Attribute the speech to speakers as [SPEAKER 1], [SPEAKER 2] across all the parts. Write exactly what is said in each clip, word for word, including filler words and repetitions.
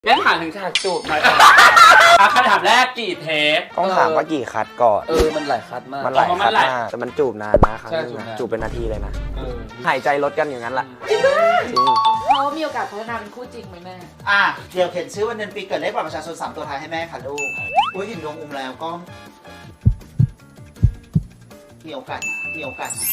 [SPEAKER 1] งั้นถามถึงฉากจูบหน่อยอ่ะคำถามแรกกี่เทป
[SPEAKER 2] ต้องถามว่ากี่คัดก่อน
[SPEAKER 3] เออมันหลายคัดมาก
[SPEAKER 2] มันหลายคัดมากแต่มันจูบนานนะครั้งนึงนะจูบเป็นนาทีเลยนะหายใจลดกันอย่างนั้นแหละจริง
[SPEAKER 4] เขามีโอกาสพัฒนาเป็นคู่จริงไหมแม่
[SPEAKER 5] อ่ะเดี๋ยวเขียนชื่อวันเดือนปีเกิดเลขบัตรประชาชนสามตัวท้ายให้แม่ค่ะลูกอุ้ยเห็นดวงอุ้มแล้วก็มีโอกาสนะมีโอกาสนะ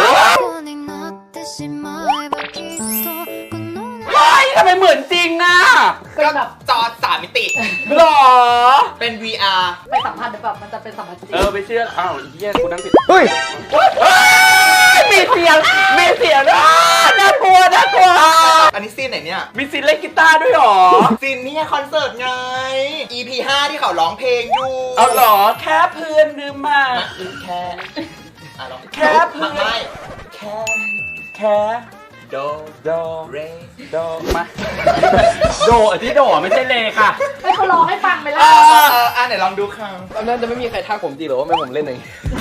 [SPEAKER 1] เฮ้ยทำไมเหมือนจริงอ่ะ
[SPEAKER 4] เป็นแบบ
[SPEAKER 5] จอสามมิติ
[SPEAKER 1] หรอ
[SPEAKER 5] เป็น วี อาร์
[SPEAKER 4] ไปสัมพันธ์แบบมันจะเป็นสัมพันธ์จริง
[SPEAKER 1] เออไปเชื่ออ้าวเฮียกูนั่งผิด
[SPEAKER 2] เฮ้ย
[SPEAKER 1] มีเสียงมีเสียงอ่ะน่ากลัวน่ากลัว
[SPEAKER 5] อันนี้ซีนไหนเนี่ย
[SPEAKER 1] มีซีนเล่นกีตาร์ด้วยหรอ
[SPEAKER 5] ซีนนี่คอนเสิร์ตไง อี พี ห้าที่เขาร้องเพลงอยู่
[SPEAKER 1] เอาหรอแค่เพื่อนหรือมา
[SPEAKER 5] แค่อ่ะลอง
[SPEAKER 1] แค่เพื่อน
[SPEAKER 5] ไม่แค่
[SPEAKER 1] แค่
[SPEAKER 5] โด
[SPEAKER 1] โด
[SPEAKER 5] เร
[SPEAKER 1] โดมาโดที่โดไม่ใช่เลค่ะ
[SPEAKER 4] ให้เขาร้องให้ฟังไปแล้ว
[SPEAKER 5] อ่ะไหนลองดูค่ะ
[SPEAKER 3] ตอนนั้นจะไม่มีใครทักผมจริงหรอว่าไม่ผมเล่นเอง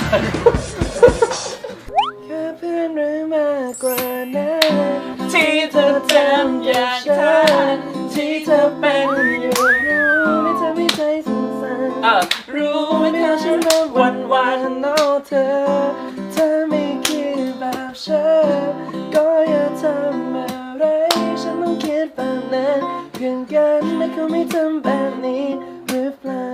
[SPEAKER 2] แค่เพื่อนหรือมากกว่านั้น
[SPEAKER 1] ที่เธอจำอย่างฉันที่เธอเป็นอยู่
[SPEAKER 2] รู้ไม่เธอไม่ใจสงสาร
[SPEAKER 1] เออรู้ไม่เธอฉันวันวัน
[SPEAKER 2] นอเธอเธอไม่คิดแบบฉันก็อย่าทำอะไรฉันต้องคิดแบบนั้นเพื่อนกันไม่เขาไม่ทำแบบนี้หรือเปล่า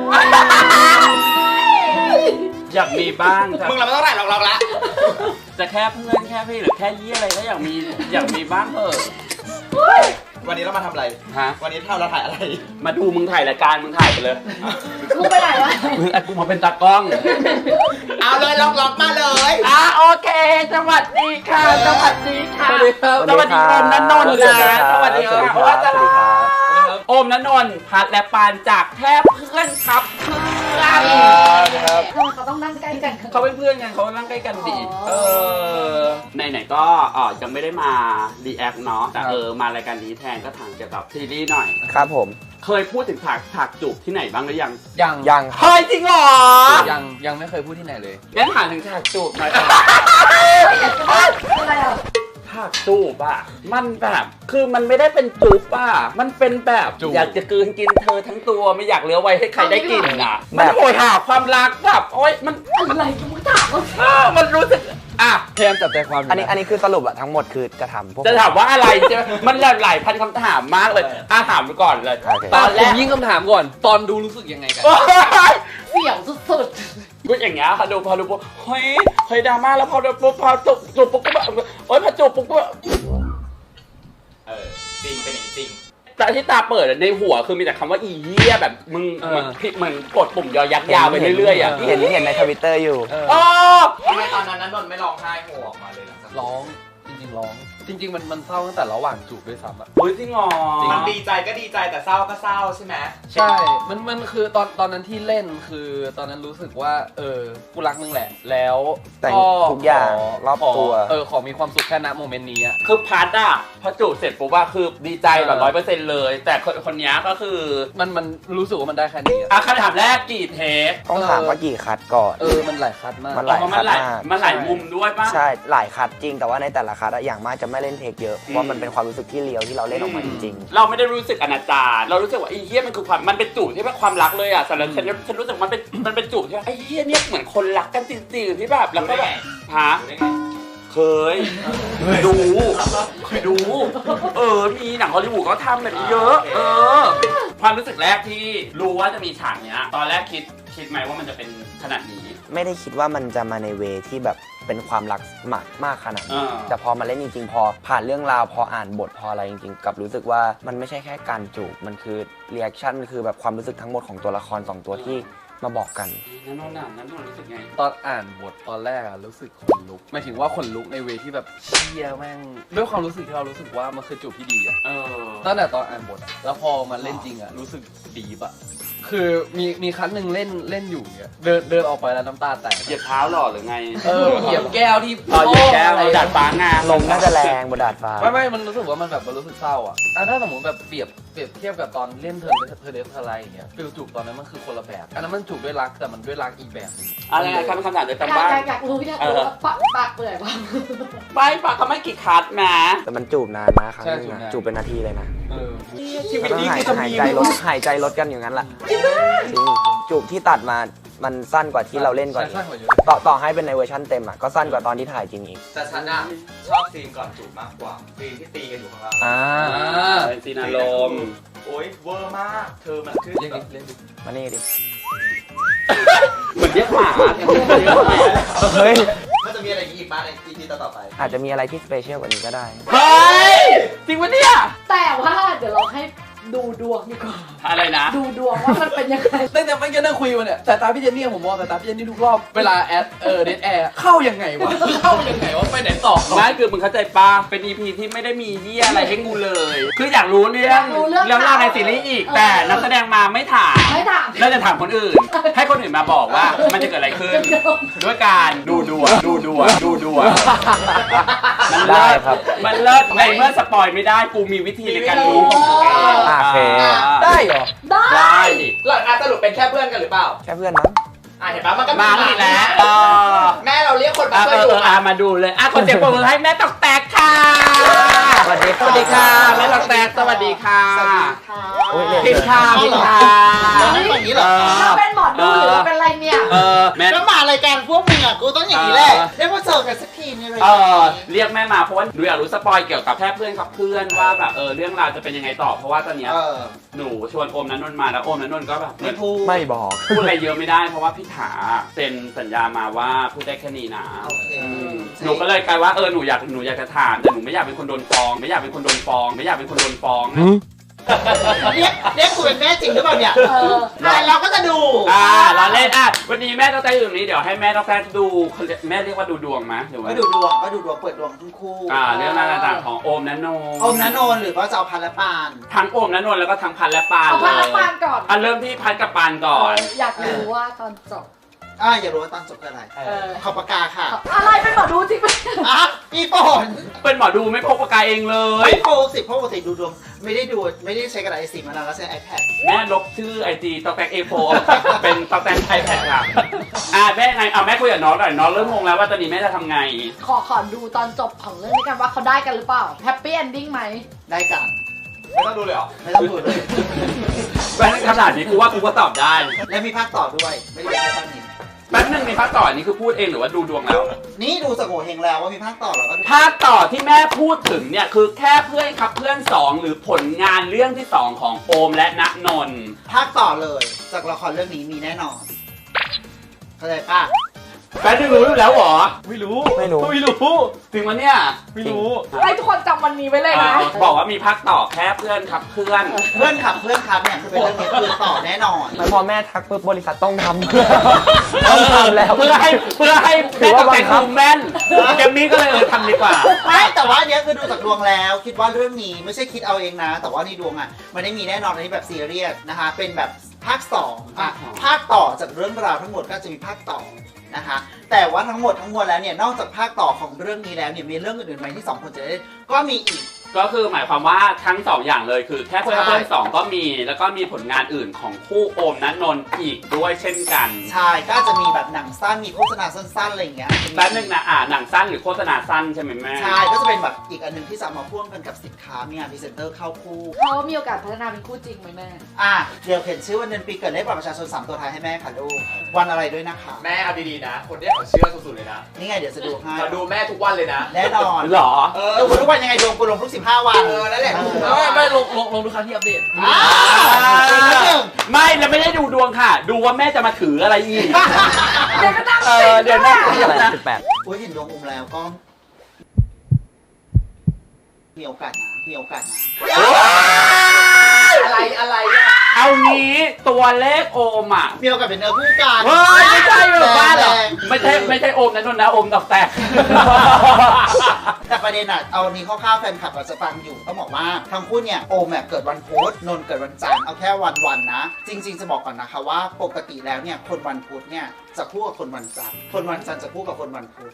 [SPEAKER 1] อยากมีบ้าง
[SPEAKER 5] มึงเราไม่ต้องไหนหรอกเราละ
[SPEAKER 1] จะแค่เพื่อนแค่พี่หรือแค่ยี่อะไรก็อยากมีอยากมีบ้างเถอะ
[SPEAKER 5] วันนี้เรามาทำอะไร
[SPEAKER 1] ฮะ
[SPEAKER 5] วันนี้เราเราถ่ายอะไร
[SPEAKER 1] มาดูมึงถ่ายรายการมึงถ่ายไปเลย
[SPEAKER 4] กูไปไหนวะ
[SPEAKER 1] มึงไอ้กูมาเป็นตากล้อง
[SPEAKER 5] เอาเลยล็อกล็อกมาเลย
[SPEAKER 1] อ่ะโอเคสวัสดีค่ะสวัสดีค่ะสวัสดีโอมนันนนท์นะสวัสดีค่ะว่าจะโอมนันนนท์พัดและปานจากแค่เพื่อนครับเพื่อน
[SPEAKER 4] ครับเขาต้องนั่งใกล้กัน
[SPEAKER 1] เขาเป็นเพื่อนกันเขานั่งใกล้กันดีเออไหนๆก็อ๋อยังไม่ได้มารีแอคเนาะแต่เออมารายการนี้แทนก็ถามเกี่ยวกับซีรีส์หน่อย
[SPEAKER 2] ครับผม
[SPEAKER 1] เคยพูดถึงฉากฉากจูบที่ไหนบ้างหรือยัง
[SPEAKER 3] ยัง
[SPEAKER 2] ยัง
[SPEAKER 1] เฮ้ยจริงเหรอ
[SPEAKER 3] ยังยังไม่เคยพูดที่ไหนเลย
[SPEAKER 1] งั้นถามถึงฉากจูบหน่อย
[SPEAKER 4] อะไรอ่ะ
[SPEAKER 1] ฉากจูบอ่ะมันแบบคือมันไม่ได้เป็นจูบอ่ะมันเป็นแบบอยากจะกลืนกินเธอทั้งตัวไม่อยากเหลือไว้ให้ใครได้กินอ่ะมันโหยหาความรักแบบโอ๊ยมัน
[SPEAKER 4] อะไรกันมึงถาม
[SPEAKER 1] ว่ามันรู้สึกอ่ะ
[SPEAKER 3] พยายามจับใจความ
[SPEAKER 2] อันนี้อันนี้คือสรุปอะทั้งหมดคือจะถามพวก
[SPEAKER 1] จะถามว่าอะไรใช่ไหมมันหลายพันคำถามมากเลยอ่ะถามไปก่อนเลย
[SPEAKER 3] ตอนแรกยิ่งคำถามก่อนตอนดูรู้สึกยังไงกัน
[SPEAKER 4] เสี่ยวสุด
[SPEAKER 1] ๆกูอย่างเงี้ยค่ะดูพอดูปุ๊บเฮ้ยเฮ้ยดราม่าแล้วพอดูปุ๊บพอจูบจูบปุ๊บก็แบบโอ๊ยพอจูบปุ๊บก็
[SPEAKER 5] เออจริงเป็นจริง
[SPEAKER 1] แต่ที่ตาเปิดในหัวคือมีแต่คำว่าอีเหี้ยแบบมึงมึงพิกมึงกดปุ่มยอยักยาวไปเรื่อยๆอ่ะ
[SPEAKER 2] เห็นเห็นในทวิตเตอร์อยู่
[SPEAKER 1] อ๋อ
[SPEAKER 5] ทำไมตอนนั้นนนท์ไม่ร้องไห้โหออกมาเลยล่ะ
[SPEAKER 3] ร้องจริงๆร้องจริงๆมันมันเศร้าตั้งแต่ระหว่างจูบด้วยซ้ำอ่ะ
[SPEAKER 1] เฮ้ยจริงเหรอ
[SPEAKER 5] มันดีใจก็ดีใจแต่เศร้าก็เศร้าใช่ไหม
[SPEAKER 3] ใช่มันมันคือตอนตอนนั้นที่เล่นคือตอนนั้นรู้สึกว่าเออกูรักมึงแหละแล้ว
[SPEAKER 2] แต่ทุกอย่างรอบตัว
[SPEAKER 3] เออขอมีความสุขแค่ณโมเมนต์นี้อ่ะ
[SPEAKER 1] คือพาร์ทอ่ะพอจูบเสร็จปุ๊บว่าคือดีใจแบบร้อยเปอร์เซ็นต์เลยแต่คนคนนี้ก็คือ
[SPEAKER 3] มันมันรู้สึกว่ามันได้แค่นี้
[SPEAKER 1] อ่ะคำถามแรกกี่เทป
[SPEAKER 2] ต้องถามว่ากี่คัดก่อน
[SPEAKER 3] เออมันหลายคัดมาก
[SPEAKER 2] มันหลายคัดมาก
[SPEAKER 1] มันหลายมุมด้วยป่ะ
[SPEAKER 2] ใช่หลายคัดจริงแต่ว่าในแต่ละคัดอย่างมากจะไม่เล่นเทคเยอะเพราะมันเป็นความรู้สึกที่เลียวที่เราเล่นออกมาจริง
[SPEAKER 1] ๆเราไม่ได้รู้สึกอนาจารเรารู้สึกว่าไอ้เหี้ยมันคือความมันเป็นจูบที่เป็นความรักเลยอ่ะสำหรับฉันฉันรู้สึกมันเป็นมันเป็นจูบที่ไอ้เหี้ยเนี่ยเหมือนคนรักกันจริงๆที่แบบแล้วก็แบบฮะเคยดูเคยดูเออมีหนังฮอลลีวูดเขาทำแบบนี้เยอะเออความรู้สึกแรกที่รู้ว่าจะมีฉากเนี้ยตอนแรกคิดคิดไหมว่ามันจะเป็นขนาดนี้
[SPEAKER 2] ไม่ได้คิดว่ามันจะมาในเวที่แบบเป็นความรักมากมากขนาดนี้แต่พอมาเล่นจริงๆพอผ่านเรื่องราวพออ่านบทพออะไรจริงๆกับรู้สึกว่ามันไม่ใช่แค่การจูบมันคือรีแอคชั่นมันคือแบบความรู้สึกทั้งหมดของตัวละครสองตัวที่มาบอกกัน
[SPEAKER 1] นั่นน่ะนั่นน่ะรู้สึกไง
[SPEAKER 3] ตอนอ่านบทตอนแรกอะรู้สึกขนลุกหมายถึงว่าขนลุกในเวที่แบบเชี่ยแม่งด้วยความรู้สึกที่เรารู้สึกว่ามันคือจูบที่ดีอะตั้งแต่ตอนอ่านบทแล้วพอมาเล่นจริงอะรู้สึกดีปะคือมีมีครั้งหนึ่งเล่นเล่นอยู่เนี่ยเดินเดินออกไปแล้วน้ำตาแตก
[SPEAKER 1] เหยียบเท้าหรอหรือไง
[SPEAKER 3] เออเหยียบแก้วที่
[SPEAKER 1] อ๋อเหยียบแก้วดาดฟ้างา
[SPEAKER 2] ลงน่าจะแรงบนดาดฟ้า
[SPEAKER 3] ไม่ไม่มันรู้สึกว่ามันแบบมันรู้สึกเศร้าอ่ะถ้าสมมติแบบเปรียบเปรียบเทียบกับตอนเล่นเธอเธอเดฟอะไรอย่างเงี้ยฟิลจูบตอนนั้นมันคือคนละแบบอันนั้นมันจูบด้วยรักแต่มันด้วยรักอีกแบบนึง
[SPEAKER 1] อะไรคำคำถามเดียวกันบ้าง
[SPEAKER 4] อยากรู้อยากรู้ปากปากเปื่อยป่ะ
[SPEAKER 1] ไปปากเขาไม่กี่คัดมา
[SPEAKER 2] แต่มันจูบนานนะครั้งนึงจูบเป็นนาทีเลยนะ
[SPEAKER 1] ชีวิต
[SPEAKER 2] ต้อง
[SPEAKER 1] นี้
[SPEAKER 2] หาย
[SPEAKER 1] คือจะ
[SPEAKER 2] หาย
[SPEAKER 1] มี
[SPEAKER 2] ใจลดหายใจลดกันอย่างนั้นแหละจริงจูบที่ตัดมามันสั้นกว่าที่เราเล่นก่อนอีก
[SPEAKER 3] สั้นกว่าเยอะ
[SPEAKER 2] ต่อต่อให้เป็นในเวอร์ชันเต็มอ่ะก็สั้นกว่าตอนที่ถ่ายจริงอีก
[SPEAKER 6] แต่ฉันอะชอบซีนก่อนจูบมากกว่าซีนที่ตีกันอยู่ข้างล่าง
[SPEAKER 2] อ่า
[SPEAKER 1] เป็นซีนอารมณ์
[SPEAKER 6] โอ๊ยเวอร์มากเธอมันคือ
[SPEAKER 3] เรียก
[SPEAKER 6] แบ
[SPEAKER 3] ดิ
[SPEAKER 6] บ
[SPEAKER 3] เรียกดิ
[SPEAKER 2] มานี่ดิ
[SPEAKER 1] เหมือนเรียกหมาเรียกหมา
[SPEAKER 2] เฮ้ย
[SPEAKER 6] มันจะมีอะไรอีกบ้างในอีพีต่อๆไป
[SPEAKER 2] อาจจะมีอะไรที่สเปเชียลกว่านี้ก็ได้
[SPEAKER 1] เฮ้ยจริงปะเนี่ย
[SPEAKER 4] แต่ว่าเดี๋ยวเราให้ดูดวงดีกว่า
[SPEAKER 1] อะไรนะ
[SPEAKER 4] ดูดวงว่ามันเป็นยังไง
[SPEAKER 3] ตั้งแต่ไม่อกี้นั่งคุยมาเนี่ยแต่ตาพี่เจนนี่ผมมองแต่ตาพี่เจนนี่ทุกรอบเวลาแอดเออเดทแอร์เข้ายังไงวะเข้ายังไงวะไปไหนต่อ
[SPEAKER 1] ไม่คือมึงเข้าใจปะเป็น อี พี ที่ไม่ได้มีเหี้ยอะไรให้กูเลย คืออยากรู้เรื่อ
[SPEAKER 4] อง ยากรู้เรื่อง
[SPEAKER 1] เรื่องราวในซีรีส์อีก แต่นักแสดงมาไม่ถาม
[SPEAKER 4] ไม่ถาม
[SPEAKER 1] เราจะถามคนอื่น ให้คนอื่นมาบอกว่ามันจะเกิดอะไรขึ้น ด้วยการดูดวงดูดวงดูดวงมันเลิ
[SPEAKER 2] ได้
[SPEAKER 1] ศ
[SPEAKER 2] ครับ
[SPEAKER 1] มันเลิศในเมื่อสปอยไม่ได้กูมีวิธีในการรู้ของตัวเอง
[SPEAKER 2] โอเค
[SPEAKER 3] ได้เหรอ
[SPEAKER 4] ได้
[SPEAKER 1] ได้
[SPEAKER 6] หลังอาสรุปเป็นแค่เพื่อนกันหรือเปล่า
[SPEAKER 2] แค่เพื่อนมั้ง
[SPEAKER 6] อ่ะเห็นปะมันก็
[SPEAKER 1] มาอีกแล้วเออ
[SPEAKER 6] แม่เราเรียกคนมา
[SPEAKER 1] อ่ะ
[SPEAKER 6] ช่วย
[SPEAKER 1] เอ
[SPEAKER 6] ดู
[SPEAKER 1] ออ่ะมาดูเลยอ่ะคนเจ็บปวดให้แม่ตอกแตกค่ะ
[SPEAKER 2] สวัสดี
[SPEAKER 1] สวัสดีค่ะแม่ตอกแตกสวัสดีค่ะ
[SPEAKER 5] สวัสดีค่ะ
[SPEAKER 2] โอ้ยเร็ว
[SPEAKER 1] พิมพ์ค่ะพิมพ์ค่ะ
[SPEAKER 5] เราไม่อย่างนี้เหรอ
[SPEAKER 4] เราเป็นหมอดูหรือเราเป็นอะไรเนี่ย
[SPEAKER 1] เออแม่
[SPEAKER 5] แล้วมารายการพวกมึงอ่ะกูต้องอย่างนี้แหละได้มาเจอกันสักทีในราย
[SPEAKER 1] เอ
[SPEAKER 5] การ
[SPEAKER 1] อ
[SPEAKER 5] นี้
[SPEAKER 1] เรียกแม่มาเพราะว่าหนูอยากรู้สปอยเกี่ยวกับแค่เพื่อนกับเพื่อนว่าแบบเออเรื่องราวจะเป็นยังไงต่อเพราะว่าตอนเนี้ย
[SPEAKER 5] เออ
[SPEAKER 1] หนูชวนโอมนันนนท์มาแล้วโอมนันนนท์ก็แบบเหมื
[SPEAKER 5] ไม่
[SPEAKER 1] อน
[SPEAKER 5] พูด
[SPEAKER 2] ไม่บอก
[SPEAKER 1] พูดอะไรเยอะไม่ได้เพราะว่าพี่ถาเซ็นสัญญามาว่าพูดได้แค่นี้นะ
[SPEAKER 5] โอเค
[SPEAKER 1] อืมหนูก็เลยกลายว่าเออหนูอยากหนูอยากจะถามแต่หนูไม่อยากเป็นคนโดนฟ้องไม่อยากเป็นคนโดนฟ้องไม่อยากเป็นคนโดนฟ้องนะ
[SPEAKER 5] เรียกเรียกกูเป็นแม่จริงหรือเปล่าเนี่ย
[SPEAKER 4] เออ
[SPEAKER 5] แต่เราก็จะดู
[SPEAKER 1] อ่าเราเล่นอ่ะวันนี้แม่ต้องแต่อยู่นี้เดี๋ยวให้แม่ต้องแต่ดูเขาเรียกแม่เรียกว่าดูดวงไหมหรือว่า
[SPEAKER 5] ก็ดูดวงก็ดูดวงเปิดดวงทั้งคู่
[SPEAKER 1] อ่าเรื่องราวต่างๆของโอมนันนนท์
[SPEAKER 5] อมนันนนท์หรือว่าจะเอาพันและปาน
[SPEAKER 1] ทั้งโอมนันนนท์แล้วก็ทั้งพันและปาน
[SPEAKER 4] เอา
[SPEAKER 1] เล
[SPEAKER 4] พันละ
[SPEAKER 1] ย
[SPEAKER 4] ปานก่อน
[SPEAKER 1] อ่ะเริ่มที่พันกับปานก่อน
[SPEAKER 4] อยากรู้ว่าตอนจบ
[SPEAKER 5] อ่าอย่ารู้ว่าตอนจบคืออะไร
[SPEAKER 4] เออ
[SPEAKER 5] ขอบปากกาค่ะ
[SPEAKER 4] อะไรเป็นหมอดูจริงไหม
[SPEAKER 5] อ่ะอีฝน
[SPEAKER 1] เป็นหมอดูไม่พกปากกาเองเลย
[SPEAKER 5] ไม่โปรสิเพราะปกติดูดวงไม่ได้ดูไม่ได้ใช้กระดาษ เอ สี่ มานานแล้วใช้ iPad
[SPEAKER 1] แม่ลบชื่อไอจีตอกแตกเอโฟเป็นตอกแตกไอแพดค่ะอ่ะแม่ไงเอาแม่คุยกับน้องหน่อยน้องเริ่มงงแล้วว่าตอนนี้แม่จะทำไง
[SPEAKER 4] ขอขอดูตอนจบของเรื่องนี้กันว่าเขาได้กันหรือเปล่าแฮปปี้เอนดิ้งไหม
[SPEAKER 5] ได้กัน
[SPEAKER 6] ไม่ต้องดูเลยเหรอ
[SPEAKER 5] ไม่ต้องดูเลย
[SPEAKER 1] แม่ขนาดนี้กูว่ากูก็ตอบได้
[SPEAKER 5] และมีภาคต่อด้วยไม่ได้เป็นแค่ภาคนี้
[SPEAKER 1] แป๊บนึงมีภาคต่อนี่คือพูดเองหรือว่าดูดวงแล้ว
[SPEAKER 5] นี่ดูสโงเฮงแล้วว่ามีภาคต่อแล้วก็ดู
[SPEAKER 1] ภาคต่อที่แม่พูดถึงเนี่ยคือแค่เพื่อนครับเพื่อนสองหรือผลงานเรื่องที่สองของโอมและณนนท์
[SPEAKER 5] ภาคต่อเลย จากละครเรื่องนี้มีแน่นอนเข้าใจป่ะ
[SPEAKER 1] แป๊บนึงรู้อยู่แล้วเหรอ
[SPEAKER 3] ไม่รู้
[SPEAKER 2] ไม่รู้
[SPEAKER 3] ไม่รู้
[SPEAKER 1] ถึงวันเนี้ย
[SPEAKER 3] ไม่รู้
[SPEAKER 4] ให้ทุกคนจำวันนี้ไว้เลยนะ
[SPEAKER 1] อ่าบอกว่ามีภาคต่อแค่เพื่อนครับเพื่อน
[SPEAKER 5] เพื่อนขับเพื่อนขับเนี่ยคือเป็นเรื่องนี้คือต่อแน่นอน
[SPEAKER 2] ไม่พอแม่ทักปุ๊บบริษัทต้องทำ ต้องทำแล้ว
[SPEAKER 1] เพื่อให้เพื่อให้
[SPEAKER 2] ถื
[SPEAKER 1] แม่
[SPEAKER 2] อว่า
[SPEAKER 1] ตอกแตก
[SPEAKER 2] บังคับ
[SPEAKER 1] ดูแม่นเกมนี้ก็เลยเออทำดีกว่า
[SPEAKER 5] ไม่แต่ว่าอันเนี้ยคือดูจากดวงแล้ว คิดว่าเรื่องนี้ไม่ใช่คิดเอาเองนะ แต่ว่าในดวงอ่ะมันได้มีแน่นอนในแบบซีเรียสนะคะ เป็นแบบภาคสองอ่ะ
[SPEAKER 1] ภาคสอง
[SPEAKER 5] ภาคต่อจากเรื่องราวทั้งหมดก็จะมีภาคต่อนะคะ แต่ว่าทั้งหมดทั้งมวลแล้วเนี่ยนอกจากภาคต่อของเรื่องนี้แล้วเนี่ยมีเรื่องอื่นๆไหมที่สองคนจะได้ก็มีอีก
[SPEAKER 1] ก็คือหมายความว่าทั้งสองอย่างเลยคือแค่เพื่อน
[SPEAKER 5] ใช่
[SPEAKER 1] เพื่อนสองก็มีแล้วก็มีผลงานอื่นของคู่โอมนันนนท์อีกด้วยเช่นกัน
[SPEAKER 5] ใช่ก็จะมีแบบหนังสั้นมีโฆษณาสั้นๆอะไรอย่างเงี้ย
[SPEAKER 1] แป๊บนึงนะอ่าหนังสั้นหรือโฆษณาสั้นใช่ไหมแม่
[SPEAKER 5] ใช่ก็จะเป็นแบบอีกอันหนึงที่จะเอามาพ่วงกันกับสินค้ามีงานพรีเซนเตอร์เข้าคู่
[SPEAKER 4] เขามีโอกาสพัฒนาเป็นคู่จริงไหมแม่
[SPEAKER 5] อ่ะเดี๋ยวเขียนชื่อวันเดือนปีเกิดเลขบัตรประชาชนสามตัวท้ายให้แม่ค่ะลูกวันอะไรด้วยนะคะ
[SPEAKER 6] แม่เอาดีๆนะ คนเนี้ยเขาเชื่อสุดๆเลยนะ
[SPEAKER 5] นี่ไงเดี๋ยวจะดูให้
[SPEAKER 6] มาดูแม่ทุกวันเลยนะ
[SPEAKER 5] แน่นอน
[SPEAKER 1] หรอ
[SPEAKER 6] เอ
[SPEAKER 5] เอ
[SPEAKER 6] อ
[SPEAKER 5] อคุณทุกวันยังไงดวงกูลงทุกสิบห้าวัน
[SPEAKER 6] เออนั่นแหละ
[SPEAKER 3] ไม่ไม่ลงลงลงทุกครั้งที่อัปเดต
[SPEAKER 5] อ่าอีกนิดหนึ่ง
[SPEAKER 1] ไม่แล้วไม่ได้ดูดวงค่ะ ดูว่าแม่จะมาถืออะไรอีก
[SPEAKER 4] เดี๋ยวก็ตั้ง
[SPEAKER 1] เอ
[SPEAKER 4] สิ
[SPEAKER 1] อเดี๋ยวนะ
[SPEAKER 2] ที่อะไรสิบแปด
[SPEAKER 5] อุ้ยเห็นดวงอุ้มแล้วก็มีโอกาสนะมีโอกาสนะ
[SPEAKER 6] อะไรอะไรอะ
[SPEAKER 1] เอางี้ตัวเลขโอมอ่ะ
[SPEAKER 5] มีโอกาสเป็นเนื้อคู่กัน
[SPEAKER 1] เฮ้ยไม่ใช่หรอกบ้านหรอก
[SPEAKER 5] แรง
[SPEAKER 1] ไม่ใช่ไม่ใช่โอมนันนนท์นะโอมดอกแตก
[SPEAKER 5] แต่ประเด็นอ่ะเอานี้คร่าวๆแฟนคลับอาจจะฟังอยู่ต้องบอกว่าทั้งคู่เนี่ยโอมเนี่ยเกิดวันพุธนนท์เกิดวันจันทร์เอาแค่วันวันๆนะ จริง ๆจะบอกก่อนนะคะว่าปกติแล้วเนี่ยคนวันพุธเนี่ยจะคู่กับคนวันจันทร์คนวันจันทร์จะคู่กับคนวันพุธ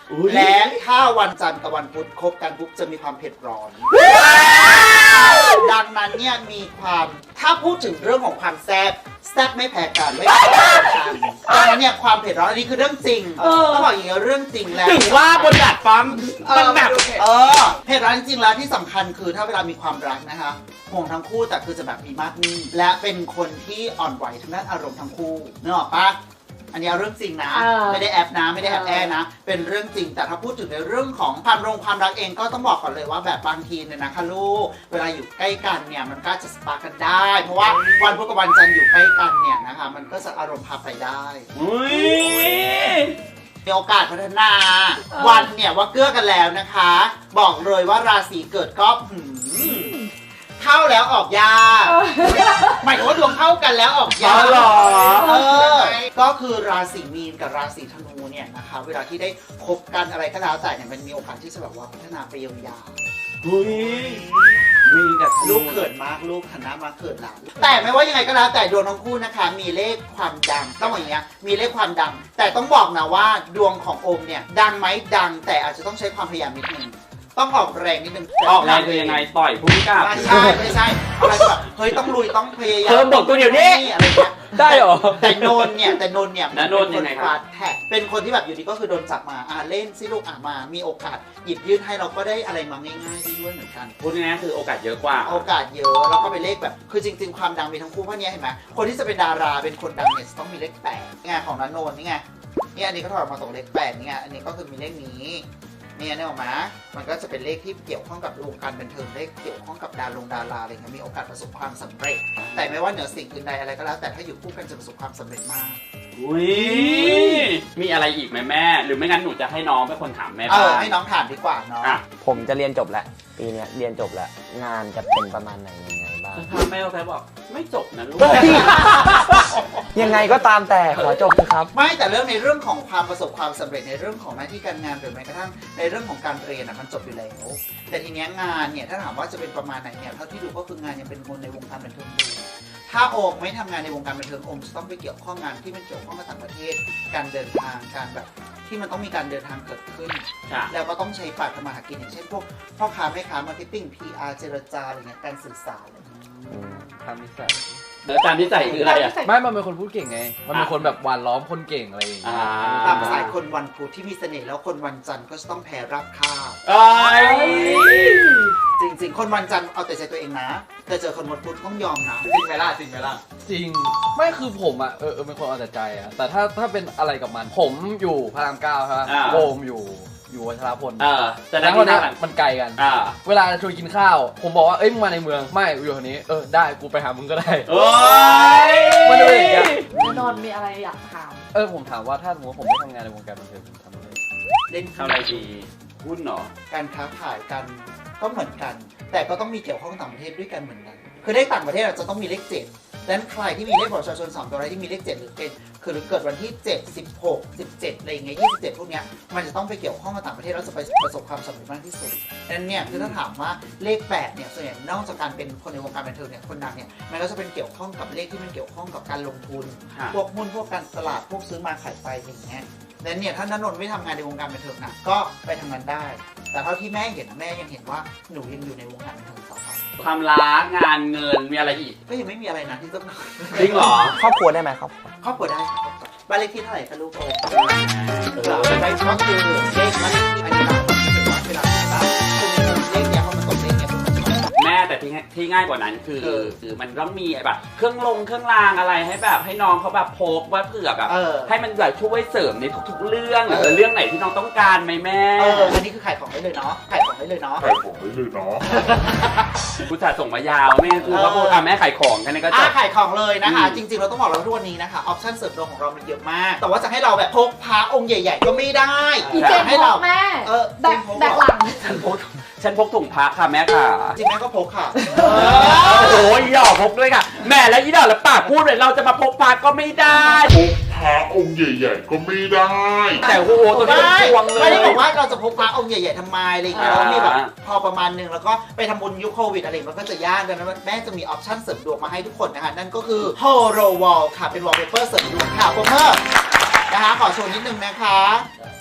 [SPEAKER 5] และถ้าวันจันทร์กับวันพุธคบกันปุ๊บจะมีความเผ็ดร้อน ดังนั้นเนี่ยมีความถ้าพูดถึงเรื่องของความแซ่บแซ่บไม่แพ้กันไม่แพ้กันดังนั้นเนี่ยความเผ็ดร้อนอันนี้คือเรื่องจริงต้องบอกอย่างนี้เรื่องจริงแล้ว
[SPEAKER 1] ถึงว่าบนดาดฟ้ามันแบบ
[SPEAKER 5] เออเผ็ดร้อนจริงๆแล้วที่สำคัญคือถ้าเวลามีความรักนะคะห่วงทั้งคู่แต่คือจะแบบมีมากนิ่งและเป็นคนที่อ่อนไหวทางด้านอารมณ์ทั้งคู่นึกออกปะอันนี้เอาเรื่องจริงนะ ไม่ได้แอบนะไม่ได้แอบแอนะเป็นเรื่องจริงแต่ถ้าพูดถึงในเรื่องของความรงความรักเองก็ต้องบอกก่อนเลยว่าแบบบางทีเนี่ยนะคะลูกเวลาอยู่ใกล้กันเนี่ยมันก็จะสปาร์กกันได้ เพราะว่าวันพุธกับวันจันทร์อยู่ใกล้กันเนี่ยนะคะมันก็จะอารมณ์พาไปได้
[SPEAKER 1] อุ้ย
[SPEAKER 5] มีโอกาสพัฒนาวันเนี่ยว่าเกื้อกันแล้วนะคะ บอกเลยว่าราศีเกิดก็หืมเข้าแล้วออกยากหมายถึงว่าดวงเข้ากันแล้วออกยาก
[SPEAKER 1] หรอ
[SPEAKER 5] เออก็คือราศีมีนกับราศีธนูเนี่ยนะคะเวลาที่ได้คบกันอะไรก็แล้วแต่เนี่ยมันมีโอกาสที่จะแบบว่าพัฒนาไปยาวๆ
[SPEAKER 1] อุ้ยมีกับ
[SPEAKER 5] ลูกเขินมากลูกหันหน้ามาเขินหลังแต่ไม่ว่ายังไงก็แล้วแต่ดวงทั้งคู่นะคะมีเลขความดังต้องบอกอย่างเงี้ยมีเลขความดัง แต่ต้องบอกนะว่าดวงของโอมเนี่ยดังไหมดังแต่อาจจะต้องใช้ความพยายามนิดนึงต้องออกแรงนิดนึง
[SPEAKER 1] ออกแรงคือยังไงต่อยผู้กล้า
[SPEAKER 5] ไม่ใช่ไม่ใช่อะไรแบบเฮ้ยต้องลุยต้องพยายาม
[SPEAKER 1] เพิ่มบทตัวเดียวนี้
[SPEAKER 5] อะไรเงี้ย
[SPEAKER 1] ได้เหรอ
[SPEAKER 5] แต่โนนเนี่ยแต่โนนเนี่ย
[SPEAKER 1] แล้วโนนยังไงครับ
[SPEAKER 5] ฟาดแท็กเป็นคนที่แบบอยู่ดีก็คือโดนจับมาอ่าเล่นซิลูกอ่ามามีโอกาสหยิบยื่นให้เราก็ได้อะไรมาง่ายๆด้วยเหมือนกัน
[SPEAKER 1] พูดง่ายๆคือโอกาสเยอะกว่า
[SPEAKER 5] โอกาสเยอะแล้วก็เป็นเลขแบบคือจริงๆความดังมีทั้งคู่เพราะเนี้ยเห็นไหมคนที่จะเป็นดาราเป็นคนดังเนี่ยจะต้องมีเลขแปดนี่ไงของนันโนนนี่ไงนี่อันนี้ก็ถอดออกมาตรงเลขแปดนี่ไงอันนี้ก็คือมีเลขนี้เนี่ยเนี่ยออกมามันก็จะเป็นเลขที่เกี่ยวข้องกับวงการบันเทิงเลขเกี่ยวข้องกับดารงดาราอะไรเงี้ยมีโอกาสประสบความสำเร็จ แต่ไม่ว่าเหนือสิ่งอื่นใดอะไรก็แล้วแต่ถ้าอยู่คู่กันจะประสบความสำเร็จมาก
[SPEAKER 1] อุ้ยมีอะไรอีกไหมแม่ หรือไม่งั้นหนูจะให้น้องเป็นคนถามแม่
[SPEAKER 5] เอ
[SPEAKER 1] บ้า
[SPEAKER 5] อง ให้น้องถามดีกว่าเนาะ
[SPEAKER 1] อ่ะ
[SPEAKER 2] ผมจะเรียนจบแล้วปีเนี้ยเรียนจบแล้วงานจะเป็นประมาณไหนยังไงบ้าง
[SPEAKER 1] ถามแม่เราแค่บอกไม่จบนะลูก
[SPEAKER 2] ยังไงก็ตามแต่ขอจบนะครับ
[SPEAKER 5] ไม่แต่เรื่องในเรื่องของความประสบความสำเร็จในเรื่องของหน้าที่การงานหรือแม้กระทั่งในเรื่องของการเรียนอ่ะมันจบอยู่แล้วแต่ทีเนี้ยงานเนี่ยถ้าถามว่าจะเป็นประมาณไหนเนี่ยเท่าที่ดูก็คืองานยังเป็นคนในวงการบันเทิงอยู่ถ้าโอมไม่ทำงานในวงการบันเทิงโอมจะต้องไปเกี่ยวข้องงานที่มันเกี่ยวข้องกับต่างประเทศ การเดินทางการแบบที่มันต้องมีการเดินทางเกิดขึ้น
[SPEAKER 1] ค่ะ
[SPEAKER 5] แล้วก็ต้องใช้ปากทำมาหากินอย่างเช่นพวกพ่อค้าแม่ค้ามาร์เก็ตติ้ง พี อาร์ เจรจาอะไรเงี้ยการสื่อสารอะไรเงี้ย
[SPEAKER 3] ทำนิสัย
[SPEAKER 1] แล้วการที่ใส่คืออะไรอ่ะ
[SPEAKER 3] ไม่มันเป็นคนพูดเก่งไง มันเป็นคนแบบหวานล้อมคนเก่งอะไรอย่างเงี้ย
[SPEAKER 1] อ่า
[SPEAKER 5] ตามสายคนวันพุธที่มีเสน่ห์แล้วคนวันจันทร์ก็จะต้องแพ้รับค่าบ
[SPEAKER 1] เอ้ย
[SPEAKER 5] จริงๆ คนวันจันทร์เอาแต่ใจตัวเองนะ แต่เจอคนวันพุธต้องยอมนะ
[SPEAKER 6] จริงไหมล่ะจริงไหมล่ะ
[SPEAKER 3] จริง ไม่คือผมอ่ะเออเออเป็นคนเอาแต่ใจอ่ะ แต่ถ้าถ้าเป็นอะไรกับมัน ผมอยู่พระรามเก้าใช่ไหม
[SPEAKER 1] อ่า
[SPEAKER 3] โอมอยู่อยู่วัชรพล
[SPEAKER 1] เออแต่
[SPEAKER 3] แต่
[SPEAKER 1] นั้น
[SPEAKER 3] ค
[SPEAKER 1] ที่
[SPEAKER 3] นเนี้ย
[SPEAKER 1] ทำ
[SPEAKER 3] มันไกลกัน
[SPEAKER 1] อ่า
[SPEAKER 3] เวลาชวนกินข้าว ผมบอกว่าเอ้ยมึงมาในเมือง ไม่อยู่แถวนี้ เออได้กูไปหามึงก็ได้
[SPEAKER 1] โอ้ย
[SPEAKER 3] มันจะเป็นอย่างเงี้ย
[SPEAKER 4] แน่นอนมีอะไรอยากถาม
[SPEAKER 3] เออผมถามว่าถ้าสมมติว่าผมไม่ทำงานในวงการบันเทิงผมทำอะไร
[SPEAKER 5] เล่น
[SPEAKER 1] ทำอะไรดีหุ้นเหรอ
[SPEAKER 5] การค้าขายกันก็เหมือนกัน แต่ก็ต้องมีเกี่ยวข้องกับต่างประเทศด้วยกันเหมือนกัน คือได้ต่างประเทศเราจะต้องมีเลขเจ็ดดังนั้นใครที่มีเลขบัตรประชาชนสองตัวอะไรที่มีเลขเจ็ดหรือเป็นคือหรือเกิดวันที่เจ็ด สิบหก สิบเจ็ดอะไรอย่างเงี้ยยี่สิบเจ็ดพวกเนี้ยมันจะต้องไปเกี่ยวข้องกับต่างประเทศแล้วจะไปประสบความสำเร็จมากที่สุดดังนั้นเนี่ยคือถ้าถามว่าเลขแปดเนี่ยส่วนใหญ่นอกจากการเป็นคนในวงการบันเทิงเนี่ยคนดังเนี่ยมันก็จะเป็นเกี่ยวข้องกับเลขที่มันเกี่ยวข้องกับการลงทุน
[SPEAKER 1] ค่ะ
[SPEAKER 5] พวกหุ้นพวกการตลาดพวกซื้อมาขายไปอย่างเงี้ยดังนั้นเนี่ยถ้าณนนท์ไม่ทำงานในวงการบันเทิงนะก็ไปทำงานได้ แต่เท่าที่แม่เห็นนะแม่ยังเห็นว่าหนูยังอยู่ในวงการบันเทิงต่อไป
[SPEAKER 1] ความรักงานเงินมีอะไรอีก
[SPEAKER 5] ก็ยังไม่มีอะไรนะที่ต้อง
[SPEAKER 1] จริงเหรอ
[SPEAKER 2] ครอบครัวได้ไหมครอบครัว
[SPEAKER 5] ครอบครัวได้ค่ะครอบครัวบ้านเลขที่เท่าไหร่คะลูกโอ้เราได้ก็คือเลขบ้านเลขที่อันนี้เราถือว่าเวลาที่บ้านคุณเลขเนี้ยพอมันตกเลขเนี้ยมันจะ
[SPEAKER 1] แม่แต่ที่ง่ายที่ง่ายกว่านั้นคือ
[SPEAKER 5] เออ
[SPEAKER 1] คือมันต้องมีแบบเครื่องลงเครื่องรางอะไรให้แบบให้น้องเขาแบบพกว่าเผื่อแบบ
[SPEAKER 5] เออ
[SPEAKER 1] ให้มันแบบช่วยเสริมในทุกๆเรื่องหรือเรื่องไหนที่น้องต้องการไหมแม่
[SPEAKER 5] เอออันนี้คือขายของได้เลยเนาะขายของได้เลยเนาะ
[SPEAKER 7] ขายของได้เลยเนาะ
[SPEAKER 1] ผู้จัดส่งมายาวแม่คือเขาพูดอ่ะแม่ขายของกันนี่ก็จ
[SPEAKER 5] อ่า
[SPEAKER 1] บ
[SPEAKER 5] ขายของเลยนะคะ
[SPEAKER 1] อืม
[SPEAKER 5] จริงๆเราต้องบอกเราทุกวันนี้นะคะออปชั่นเสริมดวงของเรามันเยอะมาก แต่ว่าจะให้เราแบบพกพระองค์ใหญ่ ๆ ก็ไม่ได้
[SPEAKER 4] อีเจน
[SPEAKER 5] ให้
[SPEAKER 4] พ
[SPEAKER 5] เรา
[SPEAKER 4] กแม่
[SPEAKER 5] เออ
[SPEAKER 4] แบกแบกหลัง
[SPEAKER 1] ฉันพกฉันพกถุงพระค่ะแม่ค่ะ
[SPEAKER 5] จริงแม่ก็พกค่ะ
[SPEAKER 1] โอ้โหอีดอกพกด้วยค่ะ แม่แล้วอีดอกแล้วปากพูดเลยเราจะมาพกพระก็ไม่ได้
[SPEAKER 7] พกพระองค์ใหญ่ๆก็ไม่ได้
[SPEAKER 1] แต่โอ้โหตัวนี้เป็นพวงเล
[SPEAKER 5] ไม่
[SPEAKER 1] ย
[SPEAKER 5] ได้บอกว่าเราจะพกพระองค์ใหญ่ๆทำไมอะไรอย่างเงี้ย
[SPEAKER 1] อ่า
[SPEAKER 5] เรามีแบบพอประมาณหนึงแล้วก็ไปทำบุญยุคโควิดอะไรมันก็จะยากดังนั้นแม่จะมีออปชั่นเสริมดวงมาให้ทุกคนนะคะนั่นก็คือ Holo Wall ค่ะเป็น wallpaper เสริมดวงค่ะโปรเมอร์นะคะขอโชว์นิดนึงนะคะ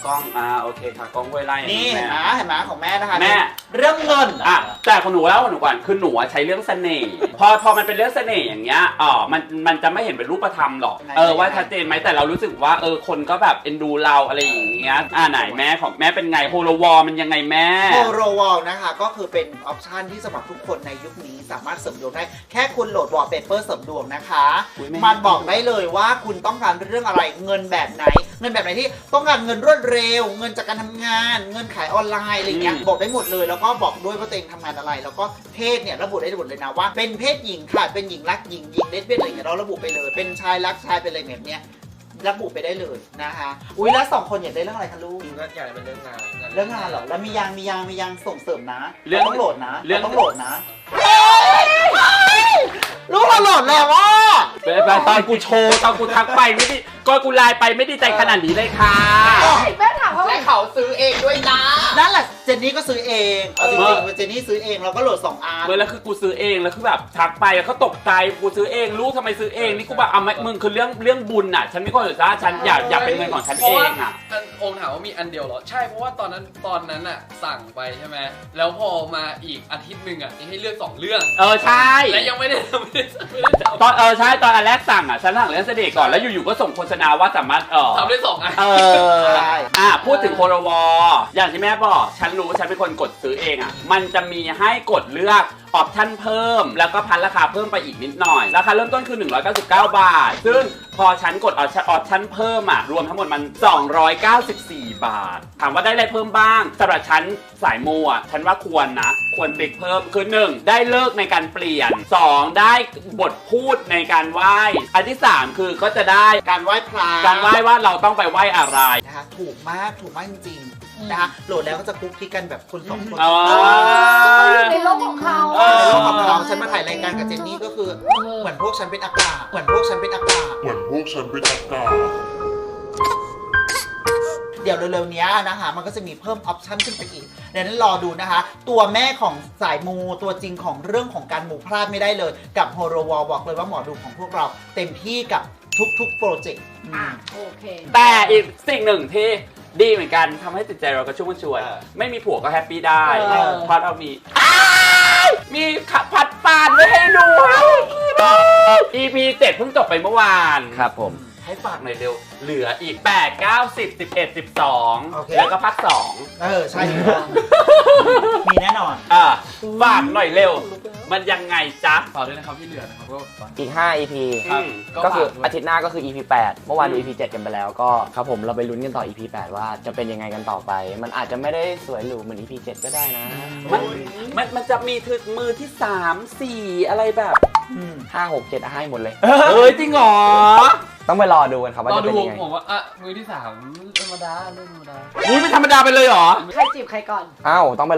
[SPEAKER 1] กล้องอ่าโอเคค่ะกล้องห้วยไร่
[SPEAKER 5] นี่
[SPEAKER 1] แม่
[SPEAKER 5] เห็นไหมเห็นไหมของแม่นะคะ
[SPEAKER 1] แม่
[SPEAKER 5] เรื่องเงิน
[SPEAKER 1] อ่ะแต่ของหนูแล้วของหนูก่อนคือหนูอะใช้เรื่องเสน่ห์พอพอมันเป็นเรื่องเสน่ห์อย่างเงี้ยอ๋อมันมันจะไม่เห็นเป็นรูปธรรมหรอกเออว่าชัดเจนไหมแต่เรารู้สึกว่าเออคนก็แบบเอ็นดูเราอะไรอย่างเงี้ยอ่าไหนแม่ของแม่เป็นไงโฮโลวอลมันยังไงแม่
[SPEAKER 5] โฮโรวอลนะคะก็คือเป็นออปชันที่สำหรับทุกคนในยุคนี้สามารถเสริมดวงได้แค่คุณโหลดวอลเปเปอร์เสริมดวงนะคะ
[SPEAKER 1] อุ๊ยแม่
[SPEAKER 5] มันบอกได้เลยว่าคุณต้องการเรื่องอะไรเงินแบบไหน เงินแบบไหนที่ต้องการเงินรวดเร็ว เงินจากการทำงาน เงินขายออนไลน์อะไรเงี้ยบอกได้หมดเลยแล้วก็บอกด้วยว่าตัวเองทำงานอะไร แล้วก็เพศเนี่ยระบุได้หมดเลยนะว่าเป็นเพศหญิงค่ะเป็นหญิงรักหญิงหญิงเลสเบี้ยนอะไรเงี้ยเราระบุไปเลยเป็นชายรักชายเป็นอะไรแบบเนี้ยระบุไปได้เลยนะคะอุ้ยแล้วสองคนอยากได้เรื่องอะไรคะลูก
[SPEAKER 6] จริงก็อยากเป็นเรื่องงาน
[SPEAKER 5] เรื่องงานเหรอ แล้วมียางมียางมียางส่งเสริมนะ
[SPEAKER 1] เรื่อง
[SPEAKER 5] ต้องโหลดนะ
[SPEAKER 1] เรื่อง
[SPEAKER 5] ต้องโหลดนะลูกเราโหลดแล้วว่า
[SPEAKER 1] ตอนกูโชว์ตอนกูทักไปไม่ได้ก็กูไลน์ไปไม่ได้ใจขนาดนี้เลยค่ะ
[SPEAKER 4] แม่ถามว่า
[SPEAKER 5] และเขาซื้อเองด้วยนะนั่นแหละเจนนี่ก็ซื้อเองเอาจริงๆเจนนี่ซื้อเองเราก็โหลดสองอัน
[SPEAKER 1] เมื่อแล้วคือกูซื้อเองแล้วคือแบบทักไปแล้วเขาตกใจกูซื้อเองรู้ทำไมซื้อเองนี่กูแบบเอาไม่มึงคือเรื่องเรื่องบุญอ่ะฉันไม่ควรจะฉันอยากอยากเป็นเงินของฉัน
[SPEAKER 3] เพราะ
[SPEAKER 1] เอ
[SPEAKER 3] ว่าง
[SPEAKER 1] อ่ะ
[SPEAKER 3] อันองค์ถามว่ามีอันเดียวเหรอ ใช่เพราะว่าตอนนั้นตอนนั้นอะสั่งไปใช่ไหมแล้วพอมาอีกอาทิตย์หนึ่งอะให้เลือกสองเรื่อง
[SPEAKER 1] เออใช่
[SPEAKER 3] และยังไม่ได้ไม่ได้ไม่ได้ทำ
[SPEAKER 1] ตอนเออใช่ตอนอันแรกสั่งอ่ะฉันสั่งเรื่องเสด็จก่อนแล้วอยู่ๆก็ส่งโฆษณาว่าสามารถเออ
[SPEAKER 3] ทำได้สองอัน
[SPEAKER 1] เอออ่ะพูดถึงโคโรวออย่างที่แม่บอกฉันรู้ว่าฉันเป็นคนกดซื้อเองอ่ะมันจะมีให้กดเลือกออปชั่นเพิ่มแล้วก็พันราคาเพิ่มไปอีกนิดหน่อยราคาเริ่มต้นคือหนึ่งร้อยเก้าสิบเก้าบาทซึ่งพอฉันกดออปชั่นออปชั่นเพิ่มอ่ะรวมทั้งหมดมันสองร้อยเก้าสิบสี่บาทถามว่าได้อะไรเพิ่มบ้างสำหรับฉันสายมูอ่ะฉันว่าควรนะควรติ๊กเพิ่มคือหนึ่งได้เลิกในการเปลี่ยนสองได้บทพูดในการไหว้อันที่สามคือก็จะได้
[SPEAKER 5] การไหว้พระ
[SPEAKER 1] การไหว้ว่าเราต้องไปไหว้อะไร
[SPEAKER 5] นะคะถูกมากถูกมากจริงๆนะคะโหลดแล้วก็จะคุกคีกันแบบคนสองคน
[SPEAKER 1] อ๋อ
[SPEAKER 4] เขาอยู่ในโลกของเขา
[SPEAKER 1] เอ
[SPEAKER 5] ใน
[SPEAKER 1] อ
[SPEAKER 5] โลกของเราฉันมาถ่ายรายการกับเจนนี่ก็คือเหมือนพวกฉันเป็นอากาศเหมือนพวกฉันเป็นอากาศ
[SPEAKER 7] เหมือนพวกฉันเป็นอากาศ
[SPEAKER 5] เดี๋ยวเร็วๆนี้นะคะมันก็จะมีเพิ่มออปชั่นขึ้นไปอีกดังนั้นรอดูนะคะ ตัวแม่ของสายมูตัวจริงของเรื่องของการมูพลาดไม่ได้เลยกับโฮโรวอลบอกเลยว่าหมอดูของพวกเราเต็มที่กับทุกๆโปรเจกต์
[SPEAKER 4] อ่ะโอเค
[SPEAKER 1] แต่อีกสิ่งหนึ่งที่ดีเหมือนกันทำให้จิตใจเรากระชุ่มกระชวย
[SPEAKER 6] เออ
[SPEAKER 1] ไม่มีผัวก็แฮปปี้ได้
[SPEAKER 4] เออ
[SPEAKER 1] เพราะเรามีอ้ายมีขับผัดปาดไว้ให้ดู อี พี เจ็ดเพิ่งจบไปเมื่อวาน
[SPEAKER 2] ครับผม
[SPEAKER 1] ให้ฝากหน่อยเร็ว เหลืออีกแปด เก้า สิบ สิบเอ็ด สิบสอง
[SPEAKER 5] โอเค
[SPEAKER 1] แล้วก็ภาคสอง
[SPEAKER 5] เออ ใช่ถูกต้องมีแน่นอน
[SPEAKER 1] อ่ะฝากหน่อยเร็ว มันยังไงจ๊ะ
[SPEAKER 3] ฝากด้วยนะครับที่เหลือนะครับก็ฝาก
[SPEAKER 2] อีก ห้า อี พี
[SPEAKER 1] อืม
[SPEAKER 2] ก็คือ
[SPEAKER 3] ฝากด้วย
[SPEAKER 2] อาทิตย์หน้าก็คือ อี พี แปด เมื่อวานดู
[SPEAKER 1] อืม
[SPEAKER 2] อี พี เจ็ด กันไปแล้วก็ครับผมเราไปลุ้นกันต่อ อี พี แปด ว่าจะเป็นยังไงกันต่อไป มันอาจจะไม่ได้สวยหรูเหมือน อี พี เจ็ด ก็ได้นะ
[SPEAKER 1] มันมันมันจะมีถึงมือที่สามสี่อะไรแบบ
[SPEAKER 5] อืม
[SPEAKER 2] ห้า หก เจ็ดให้หมดเลย
[SPEAKER 1] เอ้ยจริงเหรอ
[SPEAKER 2] ต้องไปรอดูกันครับว่าร
[SPEAKER 3] อ
[SPEAKER 2] จะ
[SPEAKER 3] ดู
[SPEAKER 2] เป็นยังไง
[SPEAKER 3] ผมว่าอ่ะมือที่สามธรรมดาเรื่องธรรมดา
[SPEAKER 1] อุ้ยไม่ธรรมดาไปเลยเหรอ
[SPEAKER 4] ใครจีบใครก่อน
[SPEAKER 2] อ้าวต้องไป